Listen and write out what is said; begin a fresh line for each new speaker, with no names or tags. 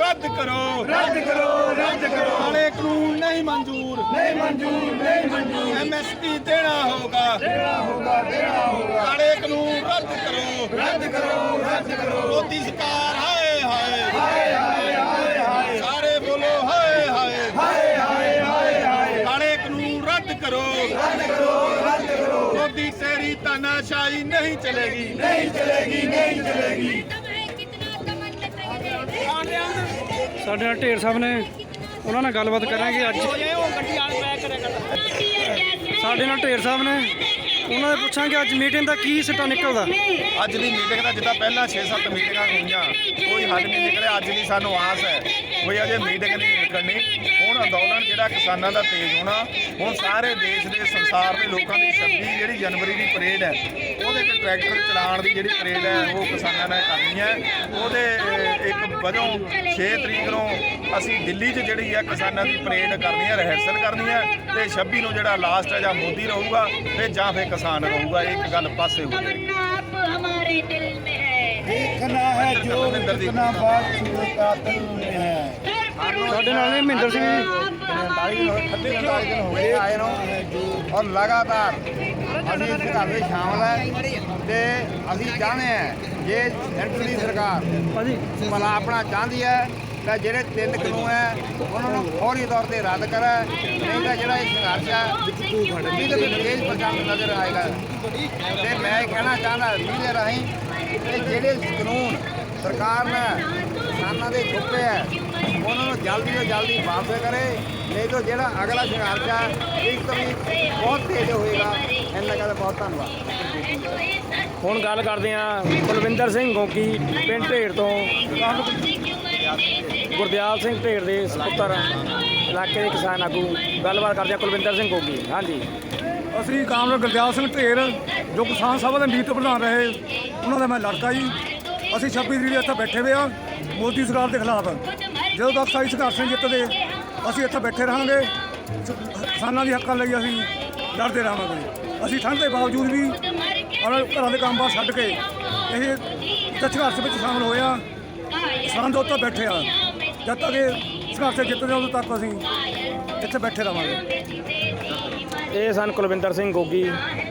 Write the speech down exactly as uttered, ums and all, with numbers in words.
रद्द करो
रद्द करो रद्द करो
काले कानून नहीं मंजूर
नहीं मंजूर नहीं मंजूर
एमएसपी देना होगा
देना होगा देना होगा
काले कानून रद्द करो
रद्द करो रद्द करो
मोदी सरकार हाय हाय
हाय हाय हाय हाय
सारे बोलो हाय हाय
हाय हाय हाय हाय
काले कानून रद्द करो
रद्द करो रद्द करो
मोदी तेरी तानाशाही नहीं चलेगी
नहीं चलेगी नहीं चलेगी
ਸਾਡੇ ਨਾਲ ਢੇਰ ਸਾਹਿਬ ਨੇ ਉਹਨਾਂ ਨਾਲ ਗੱਲਬਾਤ ਕਰਾਂਗੇ ਅੱਜ ਸਾਡੇ ਨਾਲ ਢੇਰ ਸਾਹਿਬ ਨੇ ਉਹਨਾਂ ਦੇ ਪੁੱਛਾਂਗੇ ਅੱਜ ਮੀਟਿੰਗ ਦਾ ਕੀ ਸਿੱਟਾ ਨਿਕਲਦਾ
ਅੱਜ ਦੀ ਮੀਟਿੰਗ ਦਾ ਜਿੱਦਾਂ ਪਹਿਲਾਂ ਛੇ ਸੱਤ ਮੀਟਿੰਗਾਂ ਹੋਈਆਂ ਕੋਈ ਹੱਲ ਨਹੀਂ ਨਿਕਲਿਆ ਅੱਜ ਦੀ ਸਾਨੂੰ ਆਸ ਹੈ ਕੋਈ ਅਜੇ ਮੀਟਿੰਗ ਨਹੀਂ ਨਿਕਲਣੀ ਹੁਣ ਅੰਦੋਲਨ ਜਿਹੜਾ ਕਿਸਾਨਾਂ ਦਾ ਤੇਜ਼ ਹੋਣਾ ਹੁਣ ਸਾਰੇ ਦੇਸ਼ ਦੇ ਸੰਸਾਰ ਦੇ ਲੋਕਾਂ ਦੀ ਛੱਬੀ ਜਿਹੜੀ ਜਨਵਰੀ ਦੀ ਪਰੇਡ ਹੈ ਉਹਦੇ 'ਚ ਟਰੈਕਟਰ ਚਲਾਉਣ ਦੀ ਜਿਹੜੀ ਪਰੇਡ ਹੈ ਉਹ ਕਿਸਾਨਾਂ ਨੇ ਕਰਨੀ ਹੈ ਉਹਦੇ ਇੱਕ ਵਜੋਂ ਛੇ ਤਰੀਕ ਨੂੰ ਅਸੀਂ ਦਿੱਲੀ 'ਚ ਜਿਹੜੀ ਹੈ ਕਿਸਾਨਾਂ ਦੀ ਪਰੇਡ ਕਰਨੀ ਹੈ ਰਿਹਰਸਲ ਕਰਨੀ ਹੈ ਤੇ ਛੱਬੀ ਨੂੰ ਜਿਹੜਾ ਲਾਸਟ ਹੈ ਜਾਂ ਮੋਦੀ ਰਹੂਗਾ ਤੇ ਜਾਂ ਫਿਰ ਕਿਸਾਨ ਰਹੂਗਾ ਇੱਕ ਗੱਲ ਪਾਸੇ ਹੋ ਗਈ
देखना है जो कितना बात का दिल में है
ਸਾਡੇ ਨਾਲ ਨੇ ਮਹਿੰਦਰ ਸਿੰਘ ਜੀ
अड़तालीस दिन हो गए आए नो और लगातार अभी इस घर में शामिल है ते अभी चाहते हैं जे सेंटर की सरकार
ਭਾਜੀ
भला अपना चाहती है ਤਾਂ ਜਿਹੜੇ ਤਿੰਨ ਕਾਨੂੰਨ ਹੈ ਉਹਨਾਂ ਨੂੰ ਫੌਰੀ ਤੌਰ ਤੇ ਰੱਦ ਕਰੇ ਨਹੀਂ ਤਾਂ ਜਿਹੜਾ ਇਹ ਸੰਘਰਸ਼ ਹੈ ਇਹਦੇ ਵਿੱਚ ਤੇਜ਼ ਪ੍ਰਚੰਡ ਨਜ਼ਰ ਆਏਗਾ ਤੇ ਮੈਂ ਇਹ ਕਹਿਣਾ ਚਾਹੁੰਦਾ ਮੀਡੀਆ ਰਾਹੀਂ ਕਿ ਜਿਹੜੇ ਕਾਨੂੰਨ ਸਰਕਾਰ ਨੇ ਕਿਸਾਨਾਂ ਦੇ ਚੁੱਕੇ ਹੈ ਉਹਨਾਂ ਨੂੰ ਜਲਦੀ ਤੋਂ ਜਲਦੀ ਵਾਪਸ ਕਰੇ ਨਹੀਂ ਤਾਂ ਜਿਹੜਾ ਅਗਲਾ ਸੰਘਰਸ਼ ਹੈ ਇੱਕ ਤੋਂ ਵੀ ਬਹੁਤ ਤੇਜ਼ ਹੋਏਗਾ ਇਹਨਾਂ ਦਾ ਬਹੁਤ ਧੰਨਵਾਦ।
ਹੁਣ ਗੱਲ ਕਰਦੇ ਹਾਂ ਕੁਲਵਿੰਦਰ ਸਿੰਘ ਗੋਗੀ ਪਿੰਡ ਢੇਰ ਤੋਂ ਗੁਰਦਿਆਲ ਸਿੰਘ ਢੇਰ ਦੇ ਸਪੁੱਤਰ ਇਲਾਕੇ ਦੇ ਕਿਸਾਨ ਆਗੂ ਗੱਲਬਾਤ ਕਰਦੇ ਹਾਂ ਕੁਲਵਿੰਦਰ ਸਿੰਘ ਗੋਗੀ ਹਾਂਜੀ
ਅਸੀਂ ਕਾਮਰੇਡ ਗੁਰਦਿਆਲ ਸਿੰਘ ਢੇਰ ਜੋ ਕਿਸਾਨ ਸਭਾ ਦੇ ਮੀਤ ਪ੍ਰਧਾਨ ਰਹੇ ਉਹਨਾਂ ਦਾ ਮੈਂ ਲੜਕਾ ਜੀ ਅਸੀਂ ਛੱਬੀ ਤਰੀਕ ਇੱਥੇ ਬੈਠੇ ਹੋਏ ਆ ਮੋਦੀ ਸਰਕਾਰ ਦੇ ਖਿਲਾਫ ਜਦੋਂ ਤੱਕ ਸਾਈ ਸੰਘਰਸ਼ ਨਹੀਂ ਜਿੱਤਦੇ ਅਸੀਂ ਇੱਥੇ ਬੈਠੇ ਰਹਾਂਗੇ ਕਿਸਾਨਾਂ ਦੇ ਹੱਕਾਂ ਲਈ ਅਸੀਂ ਲੜਦੇ ਰਹਾਂਗੇ ਅਸੀਂ ਠੰਡ ਦੇ ਬਾਵਜੂਦ ਵੀ ਆਪਣੇ ਘਰਾਂ ਦੇ ਕੰਮ-ਬਾਰ ਛੱਡ ਕੇ ਇਹ ਸੰਘਰਸ਼ ਵਿੱਚ ਸ਼ਾਮਲ ਹੋਏ ਆ ਕਿਸਾਨ ਦੇ ਉੱਤੇ ਬੈਠੇ ਆ ਜਦ ਤੱਕ ਇਹ ਸੰਘਰਸ਼ ਜਿੱਤਦੇ ਉਦੋਂ ਤੱਕ ਅਸੀਂ ਇੱਥੇ ਬੈਠੇ ਰਹਾਂਗੇ
ਇਹ ਸਨ ਕੁਲਵਿੰਦਰ ਸਿੰਘ ਗੋਗੀ